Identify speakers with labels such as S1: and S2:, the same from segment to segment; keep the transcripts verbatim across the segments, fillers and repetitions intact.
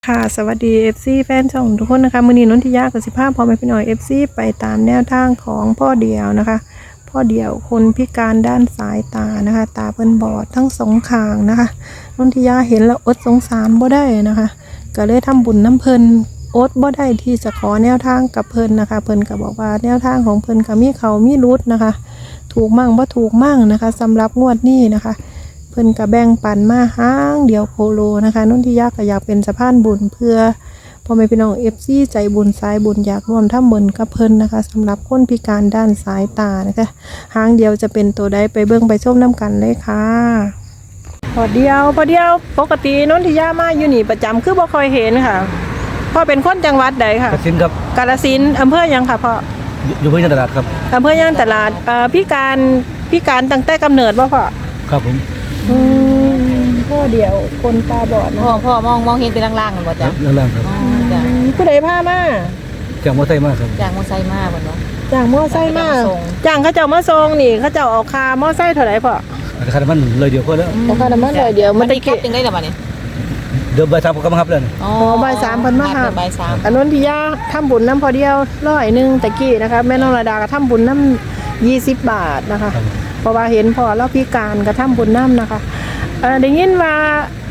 S1: ค่ะสวัสดี เอฟ ซี แฟนช่องทุกคนนะคะมื้อนี้นนทิยากับสิภาพพอแม่พี่น้อย เอฟ ซี ไปตามแนวทางของพ่อเดียวนะคะพ่อเดียวคนพิการด้านสายตานะคะตาเพิ่นบอดทั้งสองข้างนะคะนนทิยาเห็นแล้วอดสงสารบ่ได้นะคะก็เลยทำบุญน้ำเพิ่นอดบ่ได้ที่จะขอแนวทางกับเพิ่นนะคะเพิ่นก็บอกว่าแนวทางของเพิ่นก็มีเขามีรุดนะคะถูกมั่งบ่ถูกมั่งนะคะสำหรับงวดนี้นะคะเพิ่นก็แบ่งปันมาห้างเดียวโคโลนะคะนนทิยาก็อยากเป็นสะพานบุญเพื่อพ่อแม่พี่น้อง เอฟ ซี ใจบุญสายบุญอยากร่วมทำบุญกับเพิ่นนะคะสำหรับคนพิการด้านสายตานะคะห้างเดียวจะเป็นตัวใดไปเบิ่งไปชมน้ำกันเลยค่ะพอเดียวพอเดียวปกตินนทิยามาอยู่นี่ประจำคือบ่ค่อยเห็นค่ะพ่อเป็นคนจังหวัดใดค่ะ
S2: กสินครับ
S1: กาฬสินธุ์อำเภอยังค่ะพ่อ
S2: อยู่อยู่พื้นที่ตลาดครับ
S1: อำเภอย่างตลาดเอ่อพิการพิการตั้งแต่กำเนิดบ่พ่อ
S2: ครับผม
S1: อืมพ่อเดียวคนตาบอดนะ
S3: พ่อพ่อมองมองเห็นเป็นล่างๆกันบ่
S2: ค
S3: จ้ะ
S2: รับเรื่องล่างครับ
S3: อ๋อจ้ะ
S1: ผู้ใดพามา
S2: จากมอไซค์มากครับ
S3: จากมอไซค์มาบ่เนาะ
S1: จ้างมอไซค์มา
S3: จ้างเขาจะมาส่ง
S1: จ้างเขาเจ้ามาส่งนี่เขาเจ้าเอาคามอไซค์เท่าไหร่พ่อ
S2: อาจจะขาดมันเลยเดียวก็แล้ว
S1: ราคาน้ำมันร้อยเดียวมัน
S3: ได้
S1: ตะ
S3: แค่
S1: กี้
S3: จึงได้ล่ะบัดนี้
S2: เดิมใบทำก็มาครับเลย
S3: อ๋อ
S1: บ่ายสามเพิ่นมาหา
S3: บ่ายสาม
S1: อันนู้นที่ย่าทำบุญน้ำพอเดียวร้อยหนึ่งตะกี้นะคะแม่น้องระดาก็ทำบุญน้ำยี่สิบบาทนะคะ
S2: ครับ
S1: เพราะว่าเห็นพ่อเราพิการก็ทำบุญน้ำนะคะเออได้ยินว่า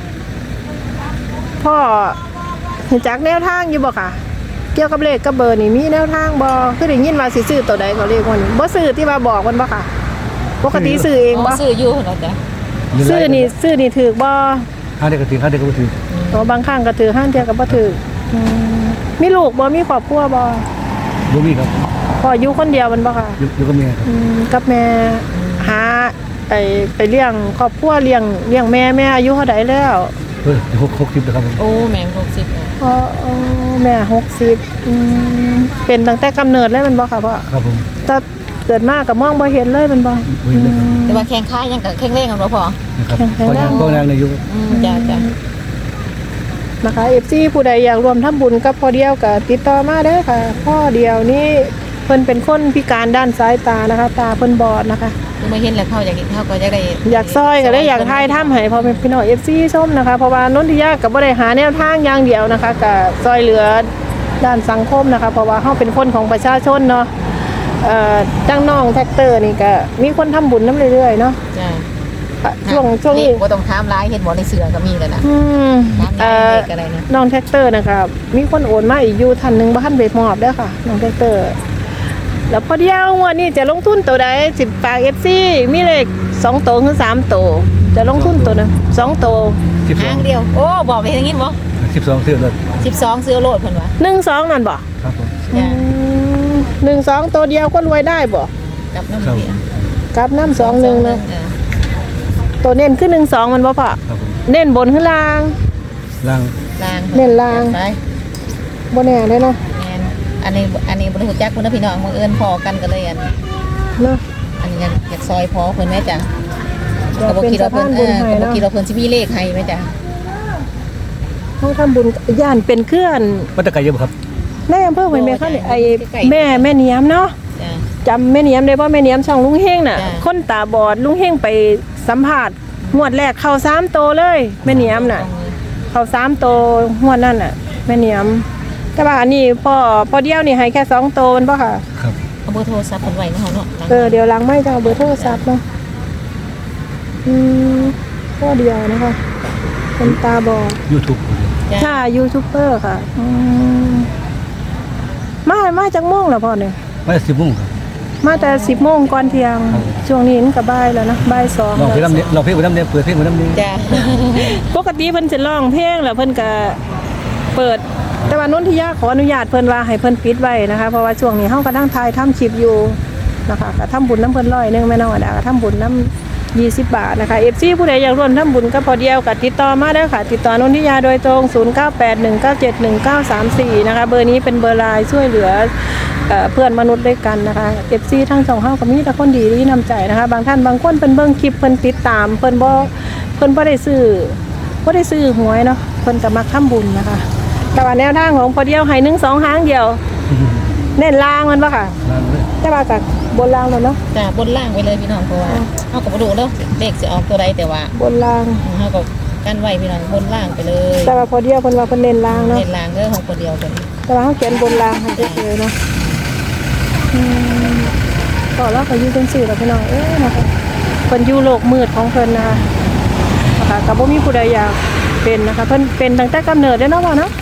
S1: พ่อรู้จักแนวทางอยู่บ่ค่ะ เกี่ยวกับเลขกับเบอร์นี่มีแนวทางบ่คือได้ยินว่าสิซื้อตัวใดก็เลขวันนี้บ่ซื้อที่ว่าบอกมันบ่ค่ะ ปกติซื้อเอง
S3: อ๋
S1: บ่
S3: อซื้ออยู่เนาะจ้ะ
S1: ซื้อนี่ซื้อนี่ถูกบ่
S2: ห้าเด็กกระถิ่นห้าเด็กกระถิ่น
S1: ตัวบางครั้งก็ถือห้างเดียวก็บ่ถืออืมมีลูกบ่มีครอบครัวบ่
S2: บุมีครับ
S1: พ่ออยู่คนเดียวมันบ่ค่ะ
S2: อยู่อยู่กับเมียครับ
S1: อืมกับแม่หาไปไปเลี้ยงครอบครัวเลี้ยงเลี้ยงแม่แม่อายุเท่าใดแล้ว
S2: เฮ้ยหกหกสิบนะครับผม
S3: โอ้แม่นหกสิบแล้ว
S1: อ๋ออ๋อแม่หกสิบอืมเป็นตั้งแต่กำเนิดเลยแมันบ่ค่ะพ่อ
S2: ครับผม
S1: ถ้าเกิดมาก็มองบ่เห็นเลยแมันบ่
S2: บุญเลยครับ
S3: แต่ว่าแข้งขายังก็แข็งแรงกันบ่พอ
S2: นะครับก็ยังก็ยังในยุค
S3: อืมจ้ะจ้ะ
S1: นะคะ เอฟ ซี ผู้ใดอยากรวมทำบุญกับพ่อเดียวก็ติดต่อมาได้อค่ะพ่อเดียวนี่เพิ่นเป็นคนพิการด้านสายตานะคะ ตาเพิ่นบอดนะคะ
S3: คือมาเห็นแล้วเขาอยากเขาก็อยากได้
S1: อยากซอยก็ได้อยากทายถ้ำให้พอเป็นพี่น้อง เอฟ ซี ส้มนะคะเพราะว่านนทิยากับบ่ได้หาแนวทางอย่างเดียวนะคะก็ซอยเหลือด้านสังคมนะคะ เพราะว่าเฮาเป็นคนของประชาชนเนาะเอ่อจังน้องแท็กเตอร์นี่ก็มีคนทำบุญนำเรื่อยๆเนาะ
S3: จ้ะ
S1: อ่ะช่วงช่วงนี้
S3: บ่ต้องถามหลายเห็นบ่ในเสือก็มีแล้วนะ
S1: อืม
S3: ถาม
S1: เอ่
S3: หลาย
S1: อ
S3: เลขอะไรนะ
S1: น้องแท็กเตอร์นะคะมีคนโอนมาอีกอยู่ท่านหนึงบ่ทันไปมอบเด้อค่ะน้องแท็กเตอร์แล้วพอเดียวงวดนี้จะลงทุนตัวใดสิฝาก เอฟ ซี มีเลขสองตัวถึงสามตัวจะลงทุนตัวนึงสองตัว
S2: สิบสอ
S3: หาง งเดียว โอ้บอกไปทางนี้บ่
S2: สิบสองเสื้อเลย
S3: สิบสองซื้อโลดเพิ่นว่า
S1: หนึ่งสองนั่นบ่
S2: ครับผม
S3: จ้ะ
S1: หนึ่งสองตัวเดียวก็รวยได้บ่
S3: กับน้ำ
S2: ครับ
S3: เสีย
S1: กับน้ำสองหนึ่งนะ
S3: เออ
S1: ตัวเน้นขึ้นหนึ่งสองมันบ่พอ
S2: ครับผม
S1: เน้นบนขึ้นล่าง
S2: ล่าง
S3: ล่าง
S1: เน้นล่าง
S3: ไป
S1: บ่แน่เลยเนาะ
S3: แม่นอันนี้อันนี้บริหูจักคุณพี่น้องบังเอิญพอกันก็เลยอัน
S1: เนาะ
S3: อันนี้อยากอยากซอยพอเพิ่นแม่จ้ะ
S1: อยาก
S3: ก็บ่
S1: เป็น
S3: คิด
S1: สะ
S3: ว่าเพิ่
S1: พาน
S3: นเอ
S1: บุญ
S3: อ
S1: ให้
S3: ก็บ่
S1: เนาะ
S3: คิดว่าเพิ่นสิมีเลขให้แม่จ้ะ
S1: เขาทำบุญย่านเป็นเคลื่อน
S2: วัตถุไก่เยอะบ่ครับ
S1: ในอำเภอห้วยแม่ค่ะนี่ไอ้แม่แม่เนียมเนาะ
S3: จ้ะ
S1: จำแม่เนียมได้บ่แม่เนียมช่องลุงเฮงน่ะ
S3: จ้ะ
S1: คนตาบอดลุงเฮงไปสัมภาษณ์งวดแรกเข้าสามโตวเลยแม่เนียมน่ะ เข้าสามโตวงวดนั่นน่ะแม่เนียมแต่ว่าอันนี้พ่อพ่อเดียวนี่ให้แค่สองโตวมันบ่ค่ะ
S2: ครับ
S3: เอาเบอร์โทรศัพท์เพิ่นไว้เนาะเฮาเนาะ
S1: เออเดี๋ยวหลังไม่จะเอาเบอร์โทรศัพท์เนาะอืมพ่อเดียวนะคะเป็นตาบอด
S2: ยูทูบ
S3: จ้ะ
S1: ค่ะยูทูบเบอร์ค่ะอืมมามาจากโมงแล้วพ่อเนี่ย
S2: ไม่สิบโมงครับ
S1: มาแต่สิบโมงก่อนเที่ยง
S2: ครับ
S1: ช่วงนี้มันก็บ่ายแล้วนะบ่ายสอง
S2: ลองเพลงน้ำเนี่ยลองเพลงน้ำเนี่ยเปิดเพลงน้ำเนี่ย
S3: จ้ะ
S1: ปกติเพิ่นจะร้องเพลงแล้วเพิ่นก็เปิด แต่ว่านนทิยาขออนุญาตเพิ่นว่าให้เพิ่นปิดไว้นะคะเพราะว่าช่วงนี้เฮาก็ตั้งทายทำคลิปอยู่นะคะก็ทำบุญน้ำเพิ่นร้อยหนึงแม่น้องอดาก็ทำบุญน้ำยี่สิบบาทนะคะ เอฟ ซี ผู้ใดอยากร่วมทำบุญก็พอเดียวก็ติดต่อมาได้ค่ะติดต่อนนทิยาโดยตรงศูนย์ เก้า แปด หนึ่ง เก้า เจ็ด หนึ่ง เก้า สาม สี่นะคะเบอร์นี้เป็นเบอร์ไลน์ช่วยเหลือเอ่อเพื่อนมนุษย์ด้วยกันนะคะ เอฟ ซี ทั้งสองเฮาก็มีแต่คนดีที่นำใจนะคะบางท่านบางคนเพิ่นเบิ่งคลิปเพิ่นติดตามเพิ่นบ่เพิ่นบ่ได้ซื้อบ่ได้ซื้อหวยเนาะเพิ่นก็มักทำบุญนะคะแต่ว่าแนวทางของพอเดียวให้หนึ่ง สองหางเดียวเน้นล่างมันบ่ค่ะ
S2: ล่างเลย
S1: แต่ว่าก็บนล่างแล้วเนาะ
S3: จ้ะบนล่างไว้เลยพี่น้องเพราะว่าเฮาก็บ่รู้เด้อเลขสิออกตัวใดแต่ว่า
S1: บนล่าง
S3: เฮาก็กกันไว้พี่น้องบนล่างไปเลย
S1: แต่ว่าพอเดียวเพิ่นว่าเพิ่นเน้นล่างเนาะ
S3: เน้นล่างเด้อของคนเดียวกัน
S1: แต่ว่าเขาเขียนบนล่างให้เฉยๆเนาะอืมก็แล้วก็อยู่จังซี่ล่ะพี่น้องเอ้ยนะคะเพิ่นอยู่โลกมืดของเพิ่นนะคะนะคะก็บ่มีผู้ใดอยากเป็นนะคะเพิ่นเป็นตั้งแต่กำเนิดเด้อเนาะพ่อเนาะ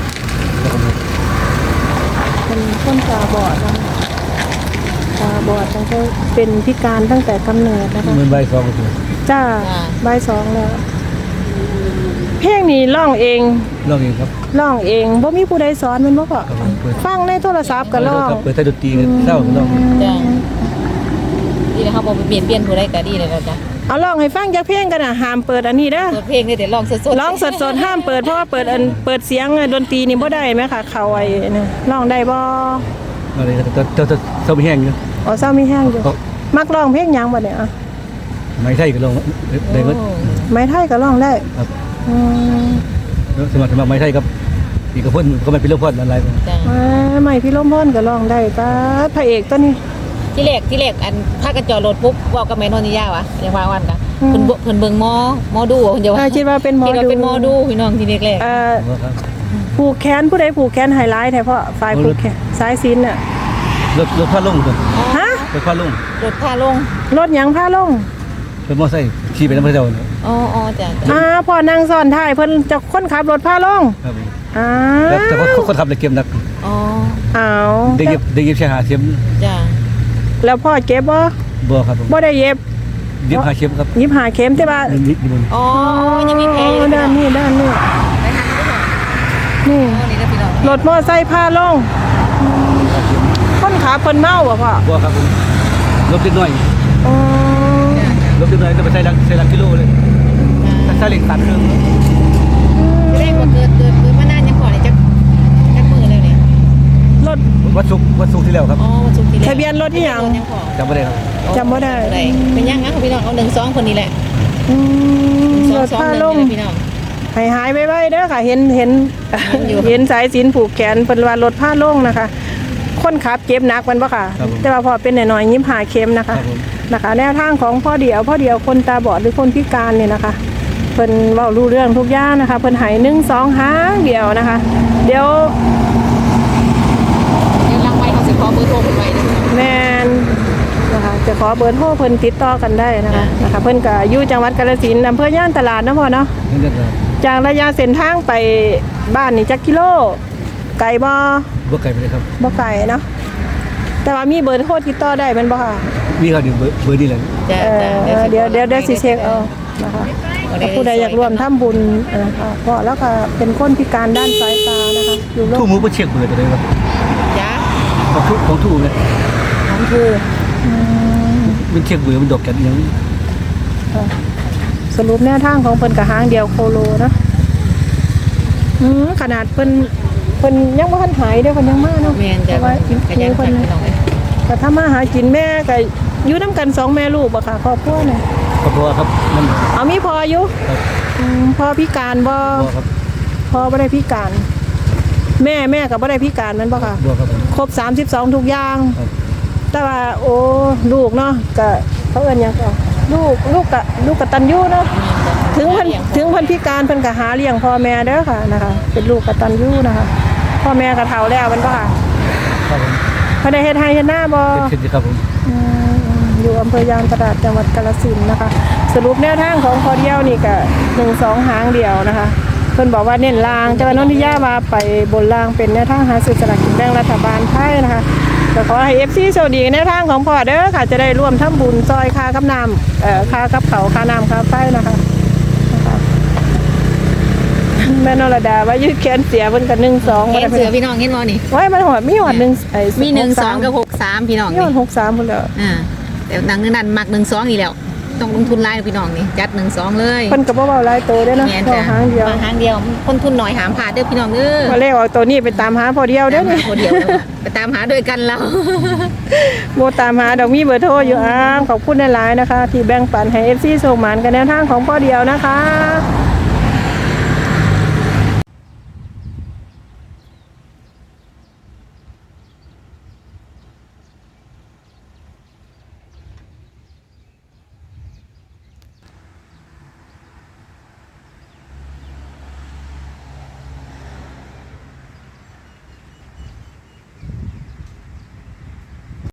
S1: เป็นคนตาบอดนะตาบอดตั้งแต่เป็นพิการตั้งแต่กำเนิดนะคะ
S2: เหมือนใบซองก็คือ
S1: จ้าบ่ายสองแล้วเพลงนี้ร้องเอง
S2: ลองเองครับ
S1: ร้องเองบ่มีผู้ใดสอนแมันบ่พ่อ
S2: ครับผมเปิด
S1: ฟังในโทรศัพท์ก็ร้อง
S2: เปิดใส่ดนตรีเศร้าก็ลอง
S3: จ้าดีแล้วเขาบอกไปเปลี่ยนเปลี่ยนผู้ใดก็ดีเลยแล้วจ้ะ
S1: เอาร้องให้ฟังจักเพลงกันน่ะห้ามเปิดอันนี้เด้อ
S3: เปิดเพลงนี่เดี๋ยวลองสดๆ
S1: ร้องสดๆห้ามเปิดเพราะว่าเปิดอันเปิดเสียงดนตรีนี่บ่ได้แม่ค่ะเขาไอ้นี่ร้องได้บ่
S2: อะไรก็จะจะจะเศร้าไม่แห้งอยู่
S1: อ๋อเศร้ามีแห้งอยู่มักร้องเพลงหยังบ่เนี่ยอ่ะ
S2: ไม่ใช่ก็ลองได้ก็
S1: ไม้ไทยก็ร้องได้
S2: ครับ
S1: อืม
S2: สมัครสมัครไม่ใช่ครับอีกกับเพื่อนก็ไม่เป็นเรื่องพอดอะไร
S3: จ้า
S1: อ่าไม่พี่ลมพรก็ร้องได้ป้าพระเอกตัวนี้
S3: ที่แรกที่แรกอันพากันจอดรถปุ๊บเว้ากับแม่นนทิยาว่ะยังว่าวันกะ
S1: อืม
S3: เพิ่นบ่เพิ่นเบิ่งหมอหมอดูเพิ่นจะว่า
S1: อ่าคิดว่าเป็นหมอ
S3: คิดว่า
S1: ดู
S3: เป็นหมอดูพี่น้องที่แรก
S1: เอ่อ
S2: ครับ
S1: ผูกแขนผู้ใดผูกแขนไฮไลท์แท้เพราะฝ่ายผูกแขนสายสิญจน์น่ะ
S2: รถรถพาลงครับ
S3: ๆอ๋อ
S1: ฮะ
S2: รถพาลง
S3: รถพาลง
S1: รถหยังพาลง
S2: เป็นมอไซค์ขี่ไปน้ำพระเจ้า
S3: อ๋ออ๋อจ้ะ
S1: อ่าพ่อนั่งซ้อนท้ายเพิ่นจะคนขับรถพาลง
S2: ครับ
S1: อ่า
S2: แต่ว่าคนขับเลยเกมนัก
S3: อ๋อ
S1: อ้าว
S2: ได้เย็บได้เย็บแค่หาเข็ม
S3: จ้ะ
S1: แล้วพ่อเก็บบ่
S2: บ่ครับผม
S1: บ่ได้เย็บ
S2: เย็บหาเข็มครับ
S1: ยิบหาเข็มแต่ว่า
S2: นิดนิดนึง
S3: อ๋อยังมีแผลอยู่
S1: ด้านนี้ด้านนี้
S3: ไปหันไปก่อน
S1: นี่
S3: อ๋อนี่นะพี่น้อง
S1: รถมอไซค์พาลงคนขับเพิ่นเมาบ่พ่อ
S2: บ่ครับผมรถเล็กน้อย
S1: อ๋อ
S2: รถเล็กน้อยก็ไปใส่ลักใส่ลักกิโลเลยถ้าเล็กตัดเครื่อง
S3: จะได้ว่าเกิดเกิดเกิดมานานยังพอเนี่ยจักจักมือแล้วเนี่ย
S1: รถ
S2: วัดสุกวัดสุกที่แล้วครับ
S3: อ๋อวันศุกร์ที่แล้ว
S1: ทะเบียนรถที่หยัง
S3: ยังพอ
S2: จำไม่ได้ครับ
S1: จำบ่ได้
S3: เป็นยังงั้นพี่น้องเอาหนึ่งสองคนนี้แหละ
S1: อืม
S3: สอ
S1: รง ถ
S3: สอง
S1: พา
S3: หนึ่ง
S1: ลง
S3: นี่แหละพี่น้อง
S1: ให้หายไว้ๆเด้อค่ะ เห็นเห็น
S3: เห็นอยู่
S1: เห็นสายสิญจน์ผูกแขนเพิ่นว่ารถพาลงนะคะ คนขับเจ็บหนักมันบ่ค่ะ แต่ว่าพอเป็นน้อยๆยิ้มหาเข็มนะ
S2: ครั
S1: คะ
S2: บผม
S1: นะคะแนวทางของพ่อเดียวพ่อเดียวคนตาบอดหรือคนพิการเนี่ยนะคะเพิ่นเว้ารู้เรื่องทุกอย่างนะคะเพิ่นให้หนึ่งสองหางเดียวนะคะ เดี๋ยว
S3: เดี๋ยวลังไว้เขาสิขอเบอร์โทรคนไว้เด้อ
S1: แมนนะคะจะขอเบอร์โทรเพิ่นติดต่อกันได้นะคะนะคะเพิ่นก็อยู่จังหวัดกาฬสินธุ์อำเภอย่านตลาดนะพ่อเนาะ
S2: นี่เรื่องครับ
S1: จากระยะเส้นทางไปบ้านนี่จักกิโลไกลบ่
S2: บ่ไกลไปเลยครับ
S1: บ่ไกลเนาะแต่ว่ามีเบอร์โทรติดต่อได้แม่นบ่ค่ะ
S2: มีครับเดี๋ยวเบอร์เบอร์นี่แหละ
S3: จ้ะ
S1: เออ
S3: จ้ะ
S1: เดี๋ยวเดี๋ยวเดี๋ยวสิเช็คเอานะคะถ้าผู้ใดอยากร่วมทำบุญนะคะเพราะแล้วก็เป็นคนพิการด้านสายตานะคะอยู่โร
S2: ทู่
S1: ค
S2: มือบ่เช็คเบอร์ตัวเลยครับ
S3: จ้ะ
S2: ของทู่ของทู่เนี่ย
S1: ของคืออืม
S2: มันเช็คเบอร์มันดอกกันอย่าง
S1: ค่ะสรุปแนวทางของเพิ่นกับหางเดียวโคโลนะอืมขนาดเพิ่นเพิ่นยังบ่ทันหายเด้อเพิ่นยังมาเนาะ
S3: แม่นจ้ะ
S1: แต่ว่ากิน
S3: ขยัน
S1: เพิ่
S3: ขั
S1: น
S3: นพี่น้องเอ้ย
S1: ก็ถ้ามาหากินแม่ก็อยู่นํกันสองแม่ลูกบ่ค่ะครอบครัวเนี่ย
S2: ครอบครัวครับมัน
S1: เอามีพออยู่
S2: ครับ
S1: อืมพอพิการบ่
S2: บัวครับ
S1: พอบ่ได้พิการ แม่แม่ก็บ่ได้พิการแมันบ่ค่ะ
S2: บัวครับผม
S1: ครบสามสิบสองทุกอย่าง
S2: ครับ
S1: แต่ว่าโอ้ลูกเนาะก็เขาเอิ้นหยังก็ลูกลูกกะลูกกตัญญูเนาะถึงเพิ่นถึงเพิ่นพิการเพิ่นก็หาเลี้ยงพ่อแม่เด้อค่ะนะคะ เป็นลูกกตัญญูนะคะพ่อแม่ก็เฒ่าแล้วแมันบ่ค่ะ
S2: ครับผม
S1: เพิ่นได้เฮ็ดให้เฮ็ดหน้าบ่
S2: เป็นเช่นครับผม
S1: อืมอยู่อำเภอยางตลาดจังหวัดกาฬสินธุ์นะคะ สรุปแนวทางของพอเดียวนี่ก็หนึ่งสองหางเดียวนะคะเพิ่นบอกว่าเน้นลางแต่ว่านนทิยามาไปบนลางเป็นแนวทางหาซื้อสลากกินแบ่งรัฐบาลไทยนะคะก็ขอให้ เอฟ ซี โชคดีในแนวทางของพ่อเด้อค่ะจะได้ร่วมทำบุญซอยค่ากับน้ำเอ่อค่ากับเขาวค่าน้ำค่าไฟนะคะนะคะแม่นรดาว่ายืดแขนเสียเพิ่นก็หนึ่งสอง
S3: แขนเสือพี่น้องเห็นบ่นี่
S1: ไว้มันหอดมีหอดหนึ่งไอ้
S3: มีหนึ่งสองกับหกสามพี่น้อง
S1: มี
S3: นี่
S1: หอดหกสามพุ่นแล้ว
S3: อ่าแต่หนังนึงนั่นมักหนึ่งสองนี่แล้วต้องลงทุนหลายพี่น้องนี่จัดหนึ่งสองเลย
S1: เพิ่นก็บ่เว้าหลายโตเด้อเนาะ
S3: แม่น
S1: ก็
S3: จ้ะ
S1: หางเดียว
S3: มาหางเดียวคนทุนหน่อยหามผ่าดเด้อพี่น้องเด้อ
S1: มาเลขออกตัวนี้ไปตามหาพอเดียวเด้อ
S3: ตาม
S1: นี่
S3: หาคนเดียวแล้วอะไปตามหาด้วยกันเรา
S1: โมตามหาดอกมีเบอร์โทรอยู่อ้ามขอบคุณหลายๆนะคะ ที่แบ่งปันให้ เอฟ ซี ส่งหมานกันแนวทางของพ่อเดียวนะคะ